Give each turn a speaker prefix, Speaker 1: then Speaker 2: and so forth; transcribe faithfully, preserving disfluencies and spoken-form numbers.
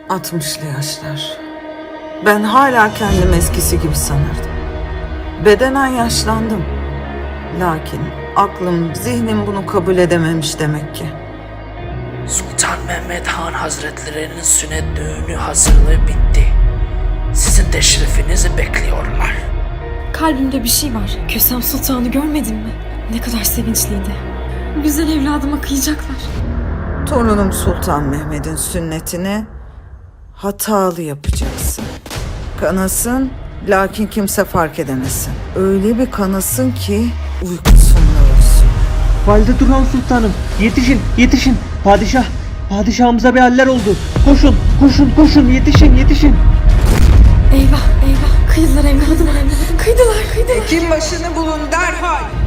Speaker 1: Altmışlı yaşlar. Ben hala kendimi eskisi gibi sanırdım. Bedenen yaşlandım. Lakin aklım, zihnim bunu kabul edememiş demek ki.
Speaker 2: Sultan Mehmet Han Hazretlerinin sünnet düğünü hazırlığı bitti. Sizin teşrifinizi bekliyorlar.
Speaker 3: Kalbimde bir şey var. Kösem Sultan'ı görmedin mi? Ne kadar sevinçliydi. Güzel evladıma kıyacaklar.
Speaker 1: Torunum Sultan Mehmet'in sünnetini hatalı yapacaksın. Kanasın, lakin kimse fark edemesin. Öyle bir kanasın ki uykusunla ölsün.
Speaker 4: Valide Turhan Sultanım, yetişin, yetişin. Padişah, padişahımıza bir haller oldu. Koşun, koşun, koşun, yetişin, yetişin.
Speaker 3: Eyvah eyvah. Kıydılar evladıma. Kıydılar kıydılar.
Speaker 5: Hekim başını bulun derhal.